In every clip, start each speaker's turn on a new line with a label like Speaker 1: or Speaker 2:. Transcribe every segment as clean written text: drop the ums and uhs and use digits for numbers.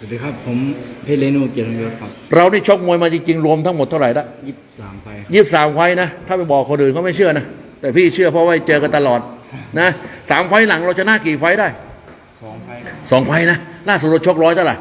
Speaker 1: สวัสดีครับผมเพชรเรนูเกียรติยศครับ
Speaker 2: เราได้ชกมวยมาจริงๆรวมทั้งหมดเท่าไหร่ละ
Speaker 1: 23 ไฟ
Speaker 2: 23 ไฟนะถ้าไปบอกคนอื่นเขาไม่เชื่อนะแต่พี่เชื่อเพราะว่าเจอกันตลอดนะ3 ไฟหลังเราชนะกี่ไฟได้
Speaker 1: 2 ไฟ
Speaker 2: 2 ไฟนะล่าสุดเราชก100เท่าไหร่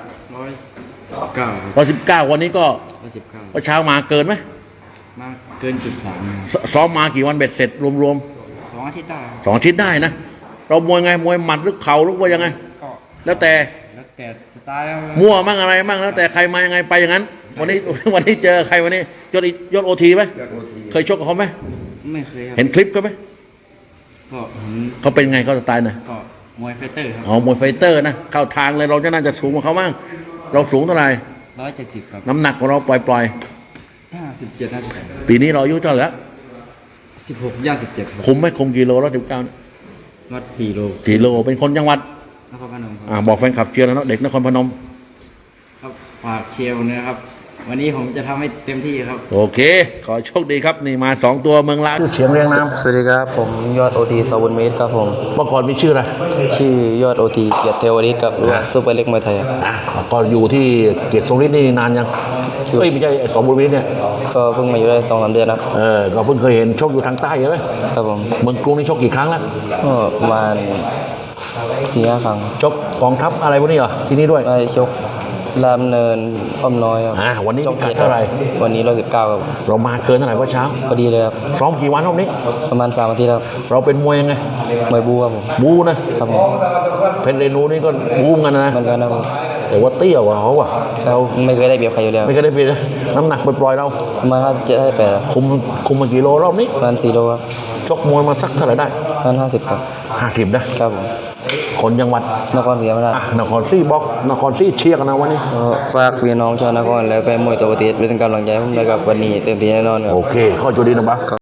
Speaker 1: 119
Speaker 2: 119วันนี้ก็
Speaker 1: 119
Speaker 2: เช้ามาเกินไหม
Speaker 1: มาเกิน3
Speaker 2: ซ้อมมากี่วันเบ็ดเสร็จรวม
Speaker 1: 2 อาทิตย์ได้
Speaker 2: 2 อาทิตย์ได้นะเรามวยไงมวยหมัดหรือเข่าหรือว่ายังไง
Speaker 1: ก็
Speaker 2: แล้วแต่
Speaker 1: สไตล์
Speaker 2: มั่วมั่งอะไรมั่งแล้วแต่ใครมายังไงไปอย่างนั้นวันนี้เจอใครวันนี้ยศโอทีไหมเคยชกกับเขาไหม
Speaker 1: ไม่เคยครับ
Speaker 2: เห็นคลิปเขาไหม
Speaker 1: ก็
Speaker 2: เขาเป็นไงเขาสไตล์ไหน
Speaker 1: ก็มวยไฟเตอร์ครับ
Speaker 2: มวยไฟเตอร์นะเข้าทางเลยเราจะน่าจะสูงกว่าเขาบ้างเราสูงเท่าไหร่
Speaker 1: 170ครับ
Speaker 2: น้ำหนักของเราปล่อย
Speaker 1: 57
Speaker 2: ปีนี้เราอายุเท่าไหร่แล้ว
Speaker 1: 16 ย่าง 17ครับ
Speaker 2: คุมไหมคุมกิโลแล้ว19
Speaker 1: วัด4 โล
Speaker 2: เป็นคนจังหวัด
Speaker 1: นครพนมครับ
Speaker 2: บอกแฟนคลับเชียร์แล้วเนาะเด็กนครพนม
Speaker 1: ครับฝากเชียร์นะครับวันนี้ผมจะทำให้เต็มที่ครับ
Speaker 2: โอเคขอโชคดีครับนี่มา2 ตัวเมืองลาวชื่อเสียงเรียงนาม
Speaker 3: สวัสดีครับผมยอดโอทีสบุญเมตรครับผม
Speaker 2: เมื่อก่อนมีชื่ออะไร
Speaker 3: ชื่อยอดโอทีเกียรติเทวฤทธิ์กับซูเปอร์เล็กมวยไทย
Speaker 2: ก็อยู่ที่เกียรติทรงฤทธิ์นี่นานยังไม่ใช่สบุญเมตรเนี่ย
Speaker 3: ก็เพิ่งมาอยู่ได้2-3 เดือนครับ
Speaker 2: ก็เพิ่งเคยเห็นชกอยู่ทางใต้ใช่ไหม
Speaker 3: ครับผม
Speaker 2: เมืองกรุงนี่ชกกี่ครั้งแล้ว
Speaker 3: ก็ประมาณ4-5 ครั้ง
Speaker 2: ชกกองทัพอะไรพวกนี้เหรอที่นี่ด้วย
Speaker 3: ไปชกรามเนินอ้อมน้อยครับ
Speaker 2: วันนี้พิกัดเท่าไหร่
Speaker 3: วันนี้119ครับ
Speaker 2: เรามาเกินเท่าไหร่เมื่อเช้า
Speaker 3: พอดีเลยครับ
Speaker 2: ซ้อมกี่วันรอบนี้
Speaker 3: ประมาณ3 อาทิตย์ครับ
Speaker 2: เราเป็นมวยยังไง
Speaker 3: มวยบูครับผม
Speaker 2: บูนะครับ
Speaker 3: ผม
Speaker 2: เพชรเรนูนี่ก็บูกันนะ
Speaker 3: เหมือนกันนะผม
Speaker 2: แต่ว่าเตี้ยกว่าเขาว่ะ
Speaker 3: เราไม่เคยได้เปรียบใครอยู่แล้ว
Speaker 2: ไม่เคยได้เปรียบน้ำหนักปล่อยๆเรา
Speaker 3: ประมาณ57-58
Speaker 2: คุมมากี่โลรอบนี้
Speaker 3: ประมาณ4 โลครับ
Speaker 2: ชกมวยมาสักเท่าไหร่ได้
Speaker 3: ประมาณ50ครับ
Speaker 2: 50นะครับผมคนจังหวัด
Speaker 3: นครศรีธรรมราช
Speaker 2: นครศรีบอกนครศรีเชียร์กันนะวันนี้
Speaker 3: ฝากพี่น้องชาวนครและแฟนมวยตัวประเทศเป็นกำลังใจให้ผมด้วยกับวันนี้เต็มที่แน่นอนครับ
Speaker 2: โอเคข้อจุดดีนะบ้า